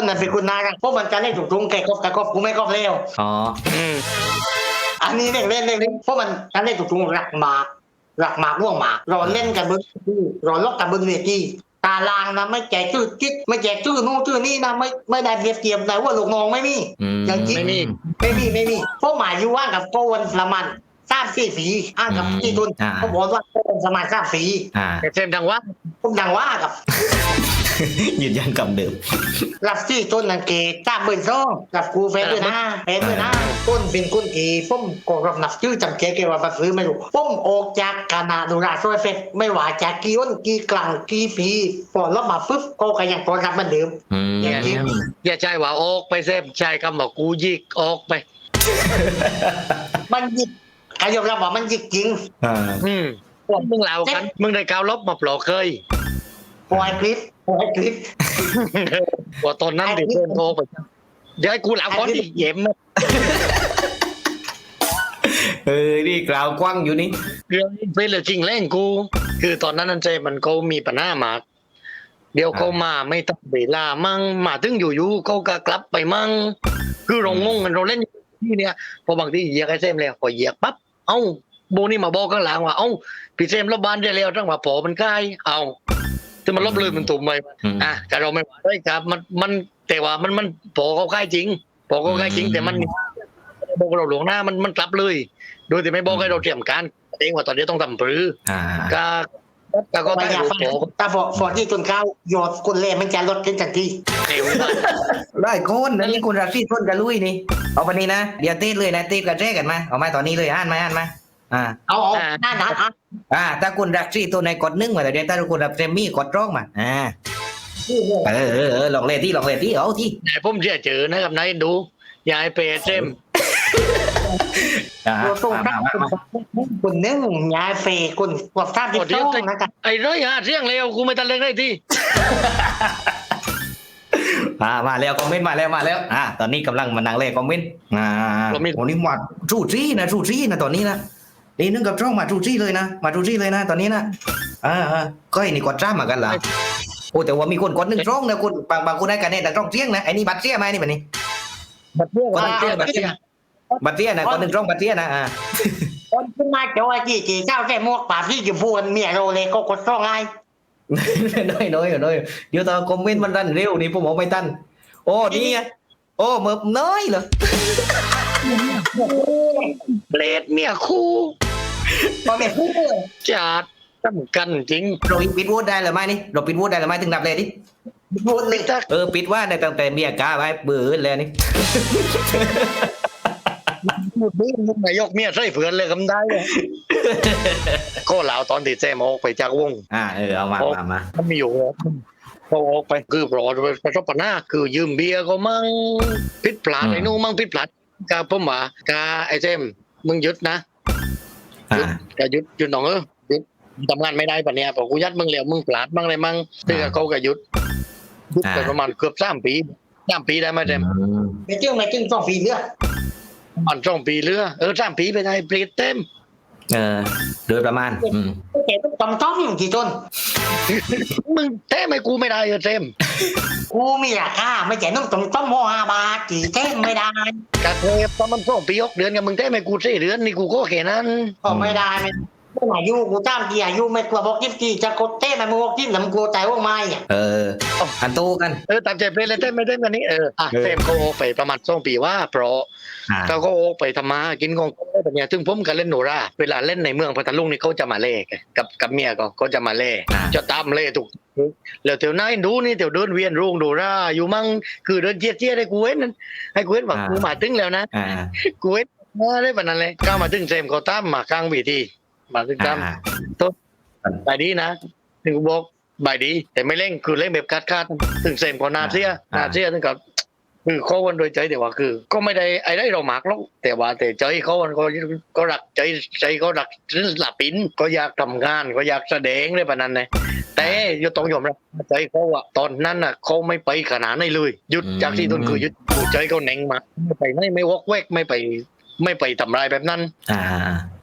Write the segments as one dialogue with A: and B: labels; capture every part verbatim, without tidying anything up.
A: นนั้นเป็นคุณนายกันเพราะมันจะเล่นถูกตรงแกกบแกกบกูไม่กบเร็ว
B: อ๋อ
C: อืม
A: อันนี้เล่นเล่นเล่นเล่นเพราะมันจะเล่นถูกตรงหลักหมากหลักหมากร่วงหมากรอเล่นกันบนรอลอกกันบนเวทีตารางนะไม่แจกชื่อจิ๊กไม่แจกชื่อนู่นชื่อนี่นะไม่ไม่ได้เปรียบเทียบแต่ว่าลูกน้องไม่มี
B: อืม
A: อย่างจิ๊ก
C: ไม่มี
A: ไม่มีไม่มีเพราะหมายอยู่ว่างกับโกนละมันทราบสี่สีอ้างกับที่ตุนเขาบอกว่าโกนสมัยทราบสี
B: อ่า
C: แต่เซมทางว่า
A: ผมดังว่ากับ
B: ยืนยันคำเดิม
A: รับที่ต้นนังเกตจ้าเบิร์นซ่องกับกูเฟซด้วยนะเฟซด้วยนะต้นเป็นคนที่ผมก็รับนับชื่อจำเกเกว่าบัตรซื้อไม่รู้ผมออกจากคณะดูราโซเฟซไม่ว่าจากกี่อ้นกี่กลางกี่ปีพอรับมาปุ๊บก็ก็ยังพอรับเหมือนเดิม
B: อืม
A: อย่างนี้
C: อย่าใช่ว่าออกไปเซมใช่คำว่ากูยิกออกไป
A: มันหยิกใครยอมรับว่ามันหยิกจริง
B: อ่า
C: อืมมึงเล่ากันมึงได้กาวลบมาปลอกเคย
A: ปล่อยคลิปปล่อยคลิป
C: ว่าตอนนั้นที่เซมโทรไปเดี๋ยวให้กูเล่าก่อนดิเย็มนะ
B: เออนี่กล่าวกว้างอยู่นี่
C: เรื่องเป็นเรื่องจริงแรงกู คือตอนนั้นนั่นเจมันเขามีปัญหามากเดี๋ยวเขามาไม่ตั้งเวลามั่งมาถึงอยู่ๆเขาก็กลับไปมั่งคือเรางงกันเราเล่นอยู่ที่เนี่ยพอบางทีเหยียกไอ้เซมแล้วพอเหยียกปั๊บเอ้าโบนี่มาบอกข้างหลังว่าเอ้าพี่เซมลบบ้านได้แล้วตั้งว่าพอมันใกล้เอ้าจะมันลบเลยมันตุ่มไป
B: อืม
C: อ่ะแต่เราไม่ว่าได้ครับมันมันแต่ว่ามันมันพอเขาใกล้จริงพอเขาใกล้จริง แต่มันบอกเราหลวงหน้ามันมันกลับเลย โดยที่ไม่บอกให้เราเตรียมการเองว่าตอนนี้ต้องทำปรือ
B: อ่า
C: ก็ก็ก็
A: ไม่
C: ได้
A: อยาก
C: รู้
A: ฟัง
C: โผ
A: แต่พอพอที่ต้นข้าวหยอดคนเล่มันจะลดขึ้นทันที
C: เร็วมาก
B: ได้โคนนั่นนี่คุณรักที่ต้นกันลุยนี่เอาไปนี่นะเดี๋ยวตีเลยนะตีกระแจกันมาเอามาตอนนี้เลยอ่านมาอ่านมาอ่า
A: เอาเอาหน้าหนาอ่ะ
B: อ่าถ้าคุณรักที่ตัวในกดหนึ่งมาแต่เดี๋ยวถ้าคุณรักเซมมี่กดร้องมาอ่าเออเออเออลองเล่นที่ลองเล่นที่เอาที่
C: นายผมเชื่อเจอนะครับนายดูยายเปย์เจม
B: อ่า
A: ตัวส่ง
B: มา
A: ตั้ง
B: มามา
A: คนหนึ่งยายเฟย์คนกว่าท่าที่ต้องนะครับ
C: ไอ้ร้อยหาเสียงเร็วกูไม่ทันเล่นได้ที่
B: อ่ามาแล้วคอมเมนต์มาแล้วมาแล้วอ่าตอนนี้กำลังมานั่งเล่นคอมเมนต์อ่าโอ้นี่มาทูจี้นะทูจี้นะตอนนี้นะนี่นึกกับจ้องมาทูจี้เลยนะมาทูจี้เลยนะตอนนี้นะอ่าอ่าก็ไอ้นี่กดจ้ามากันเหรอโอ้แต่ว่ามีคนกดหนึ่งจ้องนะคุณบางบางคนได้กันเนี่ยแต่จ้องเสียงนะไอ้นี่บัตรเสียไหมนี่แบบนี้
C: บัดเตี้ย
B: บั
C: บั
B: ต
C: ด
B: ร
C: เตี้
B: เสี
C: ย
B: ย
C: บั
B: บั
C: ด
B: ตร
C: เตี้
B: เสี
C: ย
B: ยบัตรเสียนะคนหนึ่งจ้องบัตรเสียนะอ่า
A: คนขึ้นมาโจยจีจีเจ้าแค่มวกป่าพี่จะพูดเมียโรเลยก็กดซ่องไง
B: น้อยน้อยน้อยเดี๋ยวตอนคอมเมนต์มันรันเร็วนี่ผมบอกไม่ทันโอ้นี่ไงโอ้เมิบน้อยเหรอ
C: เบลดเมียคู่
A: พอแม่พูด
C: จัดสำคัญจริง
B: เราปิดวูดได้หรือไม่นี่เราปิดวูดได้หรือไม่ถึงดับเลยดิ
A: พูดเลย
C: ถ้า
B: เออปิดว่าในตั้งแต่เมียกาไว้เบื่อเลยนี่
C: พูดนี้มึงนายกเมียใส่เฟือนเลยคำได้เลยก็เหล่าตอนที่แซมออกไปจากวง
B: อ่าเออเอามามามา
C: มันมีอยู่เขาออกไปคือปลอดประสบปัญหาคือยืมเบียร์เขามั่งผิดพลาดไอ้นู่นมั่งผิดพลาดกาผมว่ากาไอ้เจมมึงหยุดนะ
B: อ่า
C: ก็หยุดหยุดหนองเออหยุดทำงานไม่ได้ปะเนี่ยพอกูยัดมึงแล้วมึงพลาดมั่งอะไรมั่งซึ่งเขาก็หยุดหยุดไปประมาณเกือบสามปีสามปีได้ไหมเจม
A: ไม่จึงไม่จึงต้องฟีเลือด
C: ประมันสองปีเรือเออสามปีไปได้ปรีดเต็ม
B: เออโดยประมาณอืม
A: แกต้องต้องกี่ต้น
C: มึงแท้ไม่กูไม่ได้เออเต็ม
A: กูมีราคาไม่ใช่ต้องต้องต้องโมห้าบาทกี่เท่ไม่ได้
C: กาเทปตอนมันสองปียกเดือนกับมึงแท้ไม่กูสี่เดือนนี่กูก็แค่นั้น
A: ก็ไม่ได้ไม่ไม่อายุกูจ้างกี่อายุไม่กลัวบอกยิบกี่จะกดเต้ไม่มึงบอกยิบหนำกูแต่ว่าไม่อ่ะ
B: เอออันโตกัน
C: เออตามใจเพลเลยเต้ไม่ได้กันนี้เอออ่ะ
B: เออ
C: เต็มเขาโออกไปประมาณสองปีว่าเพราะ
B: อ่า
C: เขาก็โออกไปทำมากินของเขาแบบเนี้ยถึงผมกันเล่นโนราเวลาเล่นในเมืองพัทลุงนี่เขาจะมาเล่กันกับกับเมียก็เขาจะมาเล่
B: อ่า
C: จะตามเล่ถูกแล้วเดี๋ยวนั้นดูนี่เดี๋ยวเดินเวียนรุ่งโนราอยู่มั่งคือเดินเจี๊ยเจี๊ยให้กูเว้นนั่นให้กูเว้นว่ากูมาถึงแล้วนะ
B: อ่า
C: กูเว้นมาได้ปานนั้นเลยก้าวมาถึงเซมเขาตามมากลางวีทีมาถึงตาม
B: อ่า
C: บายดีนะถึงกูบอกบายดี แต่ไม่เร่งคือเร่งแบบคาดคาดๆถึงเซมก็นาเซีย
B: อ่า
C: นาเซียถึงกับคือเขาวันโดยใจแต่ว่าคือ ก็ไม่ได้ไอ้ได้เราหมากหรอกแต่ว่าแต่ใจเขามันก็ก็รักใจใจเขารักหลับปินก็อยากทำงานก็อยากแสดงได้ปานนั้นเลยแต่ยต้องยอมรับใจเขาอะตอนนั้นอะเขาไม่ไปขนาดนั้นเลยหยุดจากที่ต้นคือหยุดใจเขาแหน่งมาไม่ไปไม่ไม่วอกแวกไม่ไป ไม่ไปทำลายแบบนั้น
B: อ่า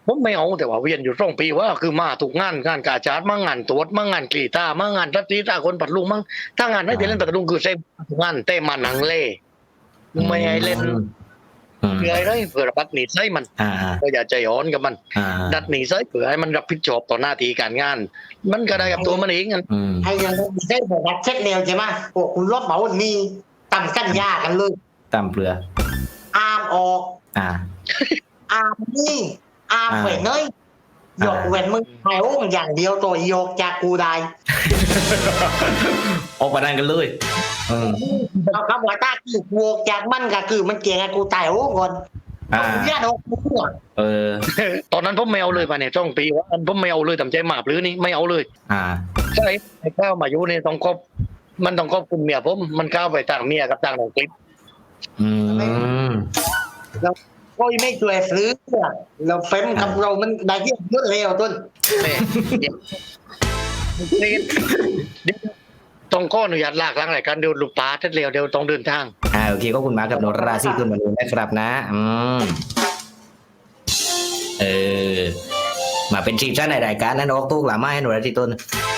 C: ผมไม่เอาแต่ว่าเวียนอยู่สองปีว่าคือมาถูกงานงานกาชาดมั่งงานตรวจมั่งงานกรีตามั่งงานทัศนีตาคนปัดลุงมั่งถ้างานไม่ได้เล่นปัดลุงคือเซ็งานเต้มาหนังเล่ไม่ให้เล่น
B: อืม
C: เพื่ออะไรเพื่อรับหนีไส้มัน
B: อ่า
C: ก็อย่าใจอ่อนกับมัน
B: อ่า
C: ดัดหนีไส้เพื่อให้มันรับผิดชอบต่อหน้าที่การงาน มันก็ได้กับตัวมันเองกัน
B: อืม
A: ไอ้ยังไม่ได้บอกว่าเช็คเร็วใช่ไหมโอ้คุณรบเหมาวันนี้ตั้งกันยากันเลย
B: ตามเปลือ
A: อามออก
B: อ่า
A: อามนี่อาม
B: อ่า
A: เว้นเนยยกเว้นมึงไอ้โอ้งอย่างเดียวตัวโยกจากกูได้
B: ออกมาดันกันเลยอืม
A: เอาคำว่าตาคือโยกจากมันก็คือมันเกี่ยงกับกูตายโอ้ก่อน
B: อ่า
A: ญาติออกกูอ่ะ
B: เออ
C: ตอนนั้นผมไม่เอาเลยป่ะเนี่ยจ้องปีว่าผมไม่เอาเลยทำใจหมาบหรือนี่ไม่เอาเลย
B: อ่า
C: ใช่ไอ้ข้าวมายุเนี่ยต้องครอบมันต้องครอบคุณเมียผมมันก้าวไปต่างเมียกับต่างหนังคลิป
B: อืม
A: ก็ไม่ช่วยซื้อเราเฟ้มกับเรามันได้เยอะเยอะเร็วต้น
C: เนี่ยเดี๋ยวเดี๋ยวต้องข้ออนุญาตลากล้างรายการเดี๋ยวลูกป้าทัดเร็วเดี๋ยวต้องเดินทาง
B: อ่าโอเคก็คุณมาร์คกับโนราซี่ตุนมาดูนะครับนะ อืมเออมาเป็นทีมชาติในรายการนั้นออกตู้หลาไม้ให้หนูราซี่ตุน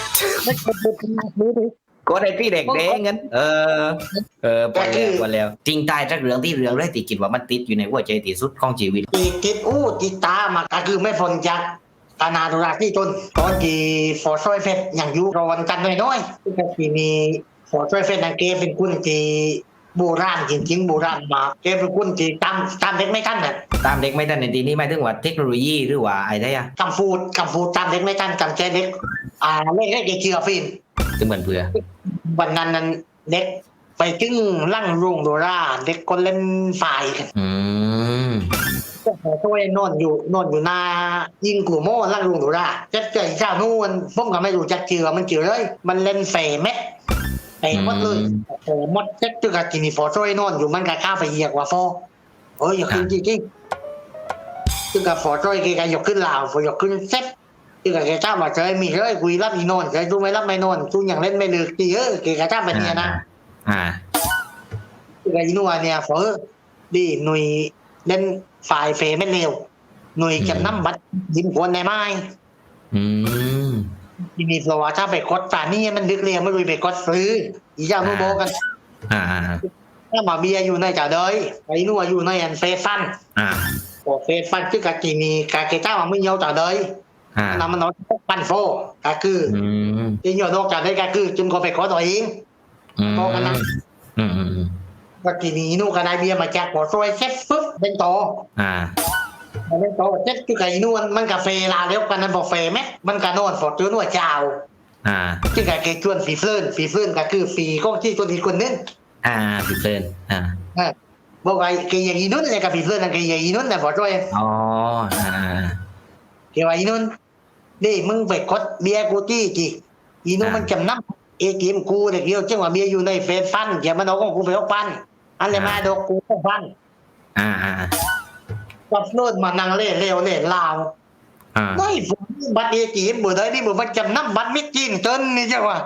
B: ก็ได้พี่เด็กเด้งกันเออ เออพอแล้วพอแล้วจริงตายจากเรื่องที่เรื่องแรกที่คิดว่ามันติดอยู่ในหัวใจที่สุดของชีวิต
A: ติดติดอู้ติดตามาก็คือไม่พ้นจากตานาดุราที่ต้นตอนที่ฟอร์ซอยเฟสอย่างยุรอนกันน้อยๆก็ที่มีฟอร์ซอยเฟสนังเกเป็นคุณที่โบราณจริงๆโบราณมาเกเป็นคุณที่ตามตามเด็กไม่ทันน่ะ
B: ตามเด็กไม่ทันในทีนี้หมายถึงว่าเทคโนโลยีหรือว่าอะไรอะ
A: กำฟูดกำฟูดตามเด็กไม่ทันกำแจเด็กอ่าเล่นเล่นเด็กเชื่อฟิน
B: ซึ่งเหมือนเพื่อ
A: วันนั้นนั้นเด็กไปถึงลั่งรุงโดราเด็กคนเล่นฝ่ายกัน
B: อืม
A: ช่วยนอนอยู่นอนอยู่หน้ายิงกูโม่ลั่งรุงโดราเจ็ดใจเจ้านู่นผมก็ไม่รู้จักเชื่อมันเชื่อเลยมันเล่นเฟเม็ดเฟหมดเลยโอ้หมดเจ็ดจุกกินฟอช่วยนอนอยู่มันก็ข้าไปเหยียกว่าฟอเอ้ยอย่าขึ้นจริงๆจุกฟอช่วยแกก็ยกขึ้นลาวฟอยกขึ้นเซ็ตจุกแกเจ้าว่าเจอมีเลยคุยรับอีนอนแกดูไม่รับไม่นอนทุกอย่างเล่นไม่เลือกตีเออแกก็เจ้าแบบนี้นะ
B: อ่า
A: จุกอีนัวเนี่ยฟอดีหน่วยเล่นฝ่ายเฟไม่เร็วหน่วยจำนำบัตรยิ้มควนในไม้
B: อืม
A: ที่มีประวัติถ้าไปกดฝานี่มันดึกเรียงไม่รู้ไปกดซื้ออีเจ้านู่นโบกัน
B: อ่า
A: ถ้าหมาเบียอยู่ในจ่าเดยไอ้นู่นอยู่ในอันเฟฟัน
B: อ่า
A: โอเฟฟันคือกากีมีกาเกต้ามันไม่เยาจ่าเดย
B: อ่า
A: น้ำมันน้อยปันโฟกาคือ
B: อืม
A: ที่อยู่นอกจ่าเดยกาคือจึงก็ไปกดตัวเอง
B: อืมอืมอืม
A: กากีมีนู่นก็ได้เบียมาจากหัวซอยเซ็ตปุ๊บเป็นโต
B: อ่า
A: เป็นโตเซ็ตคือกาอีนู่นมันกาเฟลาเลี้ยวกันนั้นบอกเฟไหมมันกานอนฟอดตัวนู่นเจ้า
B: อ่า
A: ที่กาเกชวนฟีเฟิร์นฟีเฟิร์นก็คือฟีก็ที่ตัวอีกคนนึง
B: อ่าผิดเพลินอ่า
A: บอกไอ้เกย์อีนุ่นเลยกับพี่เพื่อนนั่นเกย์อีนุ่นนะบอกด้วย
B: อ๋อ อ่า
A: เกย์ว่าอีนุ่นนี่มึงไปกดเบียร์กูจี้จีอีนุ่นมันจำนำเอทีเอ็มกูเด็กเดียวจังว่าเบียร์อยู่ในเฟซฟันอย่ามันเอาของกูไปเอาปันอันเลยมาดอกกูต้องฟัน
B: อ่า อ่า
A: กับโน่นมานั่งเล่เร็วเล่ลาว
B: อ่า
A: ไม่ผมบัตรเอทีเอ็มบ่ได้นี่บ่มันจำนำบัตรมิจีนเติ้นนี่จังว่า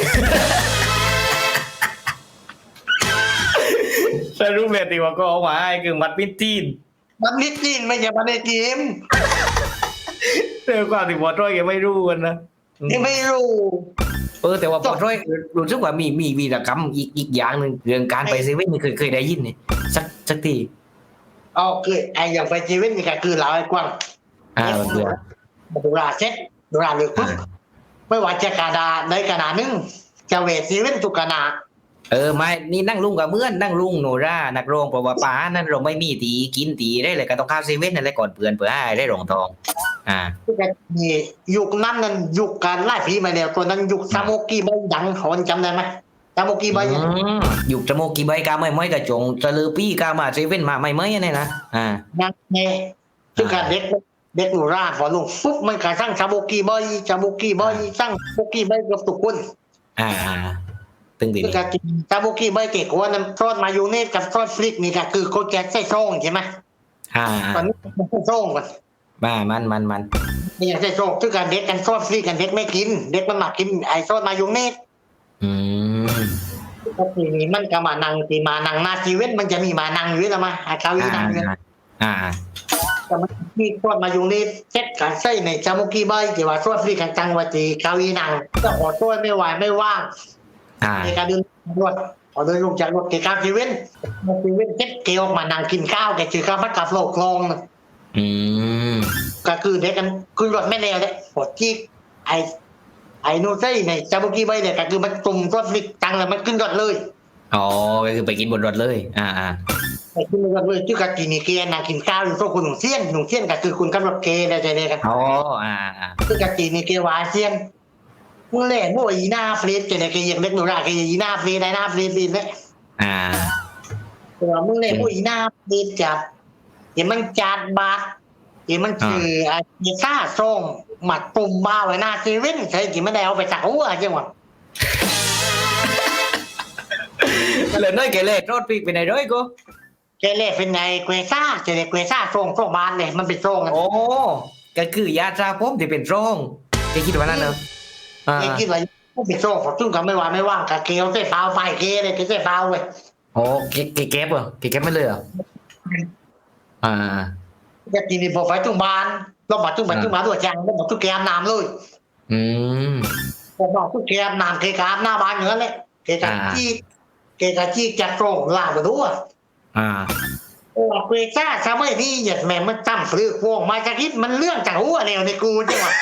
B: สรุปเลยตีว่าก็เอาไว้คือมัดปิ้นจีน
A: บัตรมิจีนไม่ใช่บัตรเอทีเอ็ม
B: เรื่องความที่บอดร้อยแกไม่รู้กันนะ
A: นี่ไม่รู้
B: เออแต่ว่าบอดร้อยรู้สึกว่ามีมีวีรกรรมอีกอีกอย่างหนึ่งเรื่องการไปเซเว่นนี่เคยเคยได้ยินนี่สักสักที
A: เอาคือไอ้อย่างไปชีวิตนี่ก็คือเราไอ้กว้าง
B: อ่ามันเบื่อ
A: ดูราเซ็ตดูราเลือกปุ๊บไม่ว่าจะกระดาษในกระดาษนึงจะเวทซีเว่นทุกกระดาษ
B: เออไม่นี่นั่งลุงกับเมื่อนนั่งลุงโนรานักร้องเพราะว่าป้านั่นเราไม่มีตีกินตีได้เลยก็ต้องข้าวเซเว่นนั่นแหละก่อนเปื่อนเปื่อให้ได้รองทองอ่า
A: นี่ยุคนั้นนั้นยุคการไล่ผีมาแล้วตัวนั้นยุคซาโมกิใบดังเขาจำได้ไหมซาโมกิใบ
B: อืมอยู่จมูกกี่ใบกาไม่ไม่กระจงจะลือปี้กามาเซเว่นมาไม่ไม่เนี่ยนะอ่า
A: นั่นแน่ซึ่งการเด็กเด็กหนูราพอลงปุ๊บมันกระสร้างซาโมกิใบซาโมกิใบสร้างซาโมกิใบกับทุกคน
B: อ่าตึงดี
A: ซึ่งการกินซาโมกิใบเก๋กว่านั้นทอดมายูเนสกับทอดฟลิกนี่ก็คือเขาแจกไส้ซองใช่ไหม
B: อ่า
A: ตอนนี้มันไส้ซองก่อน
B: มามันมันมัน
A: นี่อย่างไส้ซองซึ่งการเด็กกันทอดฟลิกกันเด็กไม่กิน เด็กมันมากินไอ้ทอดมายูเนส
B: อืม
A: ก็ทีนี้มันก็มานั่งที่มานั่งหน้าชีวิตมันจะมีมานั่งอยู่แล้วมาไอ้เขาอี
B: อ่า
A: นั่งอยู่
B: อ่า
A: ก็แต่มันมีคนมาอยู่ในเซ็ตการใช้ในจามุกี้ใบที่ว่าช่วยฟรีกันจังหวัดที่เกาหลีหนังก็ขอช่วยไม่ไหวไม่ว่าง
B: อ่า
A: ในการเดินรถขอเดินลงจากรถเกี่ยวกับชีวิตชีวิตเซ็ตเกี่ยวมานั่งกินข้าวแกจือข้าวมัดกับโลกคลองนะ
B: อืม
A: ก็คือเด็กกันขึ้นรถไม่เร็วเลยปวดที่ไอไอโนไซในจามุกี้ใบเนี่ยก็คือมันตุ่มรถฟรีจังเลยมันขึ้นรถเลย
B: อ๋อก็คือไปกินบนรถเลยอ่าอ่า
A: ไปขึ้นรถเลยชื่อกะกินเกียนั่งกินข้าวอยู่โต๊ะคุณหนุ่มเซียนหนุ่มเซียนก็คือคุณกำลังเกย์ได้ใจเลยกัน
B: อ๋ออ่าอ่า
A: คือกะกินเกียวาเซียนมึงเล่นโม่อีหน้าฟรีดเจเนี่ยเกย์ยังเล็กหนูราเกย์อีหน้าฟรีดได้หน้าฟรีดดีเลย
B: อ่า
A: แต่ว่ามึงเล่นโม่อีหน้าฟรีดจับเดี๋ยวมันจัดบาเดี๋ยวมันคือไอ้เยซ่าส่งหมัดปุ่มบ้าไว้หน้าเซเว่นใช่กี่ไม่ได้เอาไปจากหัวจังหวะ
B: เลยน้อยแกเลยรถปีกไปไหนร้อยกู
A: เกเล่เป็นไงเกวซ่าเจเนี่ยเกวซ่าส่งส่งบานเลยมันเป็นส่ง
B: โอ้ก็คือยาตราผมที่เป็นโรคแกคิดว่านั่นเหรออ่า
A: เกคิดว่าเป็นส่งผมซึ่งก็ไม่ว่าไม่ว่างกับเกลเต้เปล่าไฟเกเลยเกเต้เปล่าเว้ย
B: โอ้แกแกแก็บเหรอแกแก็บไม่เลยเหรออ่า
A: จะกินในบ่อไฟตุ้งบานเราบอกตุ้งบานตุ้งบานตัวจังเราบอกตุ้งแกมน้ำเลย
B: อืม
A: ผมบอกตุ้งแกมน้ำเกกาบหน้าบ้านอย่างนั้นเลยเกกาจี้เกกาจี้จัดโรงล่าไปดูอ่ะ
B: อ่า
A: โอ้เกซ่าซาไม่นี่หยัดแม่มันตั้มฟลือพวงมาจากคิดมันเรื่องจากหัวแนวในกูจังหวะ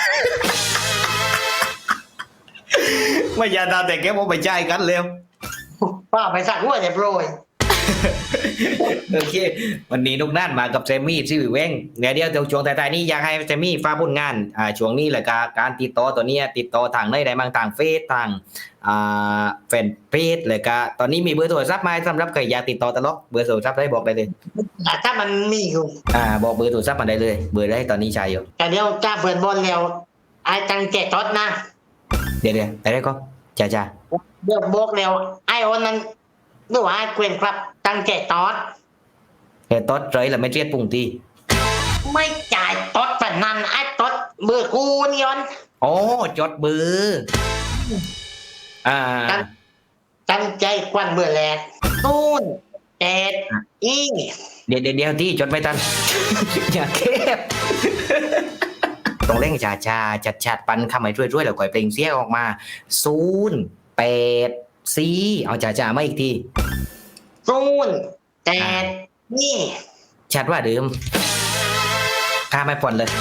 B: ไม่ยาตาแต่แกผมไปใจกันเร็ว
A: ป้าไปสักหัวเรียบร้อย
B: โอเควันนี้นุกนั่นมากับเซมี่ที่วิเวงเดี๋ยวเดี๋ยวเดี๋ยวช่วงท้ายๆนี้อยากให้เซมี่ฟ้ากผลงานอ่าช่วงนี้แหละการการติดต่อตัวเนี้ยติดต่อทางไหนได้บ้างทางเฟซทางอ่าแฟนเพจเลยก็ตอนนี้มีเบอร์โทรศัพท์ไหมสำหรับใครอยากติดต่อตลอดเบอร์โทรศัพท์ได้บอกได้เลย
A: แต่ถ้ามันมีอยู่
B: อ่าบอกเบอร์โทรศัพท์มาได้เลยเบอร์ได้ตอนนี้ใช้อยู่
A: แต่เดี๋ยวจ้าเปิดบอลแล้วไอ้ตังแจกทอดนะ
B: เดี๋ยวเดี๋ยวได้ได้ก็จ้าจ้า
A: เดี๋ยวบอกแล้วไอ้โอนนั้นดูว่าไอ้เกวนครับตังแจกทอด
B: แค่ต๊อดเลยแล้วไม่เรียดปุ่งตี
A: ไม่จ่ายทอดฝันนั้นไอ้ทอดเบอร์กูนี่ยอน
B: โอ้จดเบอร์อ่า
A: ตั้งใจกวนเบอร์แรกตูนแจกอี
B: เดี๋ยวเดี๋ยวเดี๋ยวที่จดไม่ทัน อย่าเก็บต้องเร่งชาชาจัดชัดๆปันคำให้ช่วยๆแล้วก่อยเปล่งเสียงออกมาศูนย์แปดสี่เอาจ่าจ่ามาอีกที
A: ตูนแจกนี่
B: ชัดว่าเดิมข้าไม่ผ่อนเลย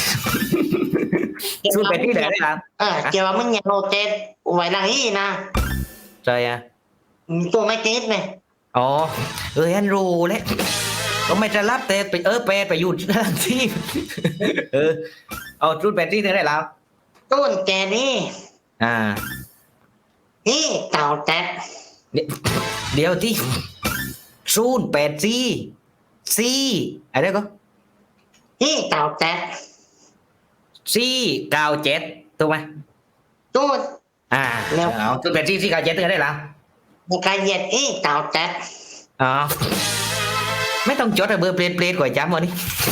B: ศูนย์แปดที่ไหนได้ครับ
A: เออเกี่ยวกับมึงอย่าโนเตสไว้หลังนี้นะ
B: ใช่อะ
A: ตัวไม่ติดเนี่ย
B: อ๋อเออฮันรู้แล้วก็ไม่จะรับแต่ไปเออแปดไปอยู่ที่ เออเอาศูนย์แปดที่ไหนได้แล้ว
A: ตูนแจกนี่
B: อ่า
A: นี่เต่าแตก
B: เดี๋ยวที่ศูนย์แปดสี่สี่อะไรก็
A: นี่เต่าแตก
B: สี่เก้าเจ็ดถูกไหม
A: ตูน
B: อ่า
A: แล้ว
B: เอาศูนย์แปดสี่สี่เก้าเจ็ดได้แล้ว
A: ในการเหยียดนี่เต่าแตก
B: อ๋อไม่ต้องจดอะเบอร์เปลี่ยนเปลี่ยนก่อนจำวันนี้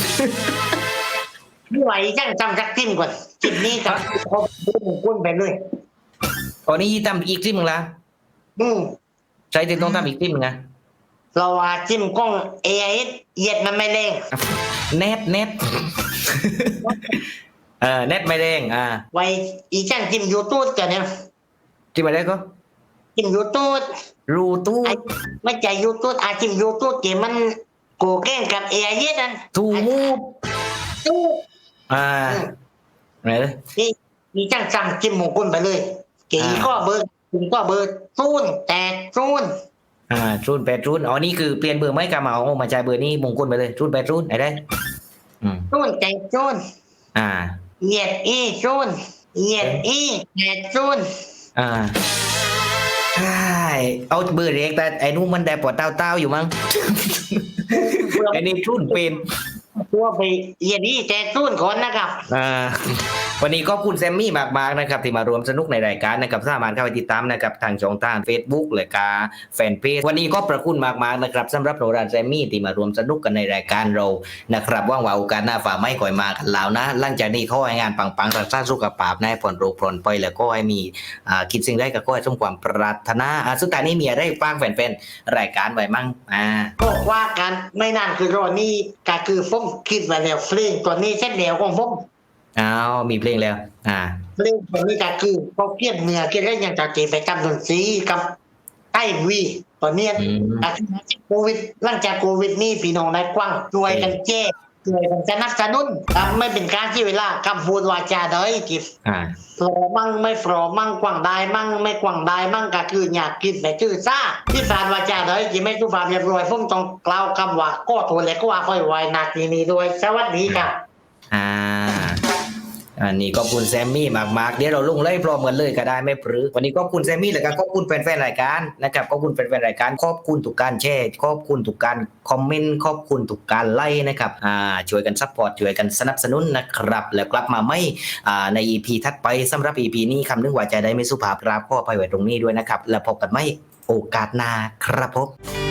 A: ไม่ไหวจังจำสักทิ้มก่อนจิตนี้กับครบกุ้นไปเลย
B: ตอนนี้ทำอีกทีมึงละ
A: อืม
B: ใช้ที่ต้องทำอีกทีมึงนะ
A: เราว่าจิ้มกล้องเอไอเหยียดมันไม่เร่ง
B: เน็ตเน็ต เออเน็ตไม่แรงอ่า
A: ไว้อีจังจิ้มยูทูบกันเนี่ย
B: ที่มาได้ก็
A: จิ้มยูทูบ
B: รูตู้
A: ไอ้ไม่ใช่ยูทูบอาจิ้มยูทูบเกมมันโกแกล้งกับเอไอนั่น
B: ทูมูฟ
A: ตู้
B: อ่าไหนเลย
A: นี่มีจังจำจิ้มหมูกุ้นไปเลยเก๋ก็เบอร์ถึงก็เบอร์ซูนแต่ซูน
B: อ่ารูนแปดรูนอ๋อนี่คือเปลี่ยนเบอร์ไม่กามาเอามาจ่ายเบอร์นี้มงคลไปเลยรูนแปดรูนไหนได้อืม
A: ซูนแต่ซูน
B: อ่า
A: เหยียดอีซูนเหยียดอีแต่ซูน
B: อ่าใช่เอาเบอร์เล็กแต่ไอ้นู้นมันได้ปวดเต้าเต้าๆอยู่มั้ง ไอ้นี่รุ่นเป็น
A: ตัวไปเหยียดอีแต่ซูนก่อนนะครับ
B: อ่าวันนี้ก็ขอบคุณแซมมี่มากๆนะครับที่มารวมสนุกในรายการนะครับสามารถเข้าไปติดตามนะครับทางช่องทาง Facebook เลยกาแฟนเพจวันนี้ก็ประคุณมากๆนะครับสำหรับโรดานแซมมี่ที่มารวมสนุกกันในรายการเรานะครับว่างว่าโอกาสหน้าฝ่าไม่ก่อยมากันแล้วนะหลังจากนี้เขาให้งานปังๆรักษาสุขภาพนายผ่อนโรคผ่อนไปแล้วก็ให้มีอ่าคิดสิ่งใดก็ขอให้สมความปรารถนาอ่าสุดท้ายนี้มีอะไรฝากแฟนๆรายการไว้มั่งอ่า
A: ก็ว่ากันไม่นานคือรอนี่ก็คือผมคิดไว้แล้วเพลงตัวนี้เส้นแนวของผม
B: อ้าวมีเพลงแล้วอ่า
A: เพลงตัวนี้ก็คือเขาเกียนเนื้อเกียนเล่นอย่างจะเจไปกับดนตรีกับใต้วีตอนนี้
B: อืม
A: อาทิตย์โควิดหลังจากโควิดนี่พี่น้องนายกว้างช่วยกันแจ้ช่วยกันสนับสนุนครับไม่เป็นการที่เวลาคำพูดวาจาเด้ยกิฟ
B: อ่า
A: โปรมั่งไม่โปรมั่งกว้างได้มั่งไม่กว้างได้มั่งก็คืออยากกินแต่ชื่อซ่าที่สารวาจาเด้ยกิไม่ทุกความเรียบร้อยผมต้องกล่าวคำว่าก็โทรและก็ว่าค่อยไว้นาทีนี้ด้วยสวัสดีครับ
B: อ่าอันนี้ก็ขอบคุณแซมมี่มากๆเดี๋ยวเราลงเลยพร้อมกันเลยก็ได้ไม่ปรือวันนี้ก็ขอบคุณแซมมี่แล้วก็ขอบคุณแฟนๆรายการนะครับขอบคุณแฟนๆรายการขอบคุณทุกการแชร์ขอบคุณทุกการคอมเมนต์ขอบคุณทุกการไลค์นะครับอ่าช่วยกันซัพพอร์ตช่วยกันสนับสนุนนะครับแล้วกลับมาไม่อ่าใน อี พี ถัดไปสำหรับ อี พี นี้คำนึงว่าใจได้ไม่สุภาพครับขออภัยไว้ตรงนี้ด้วยนะครับแล้วพบกันไม่โอกาสหน้าครับผม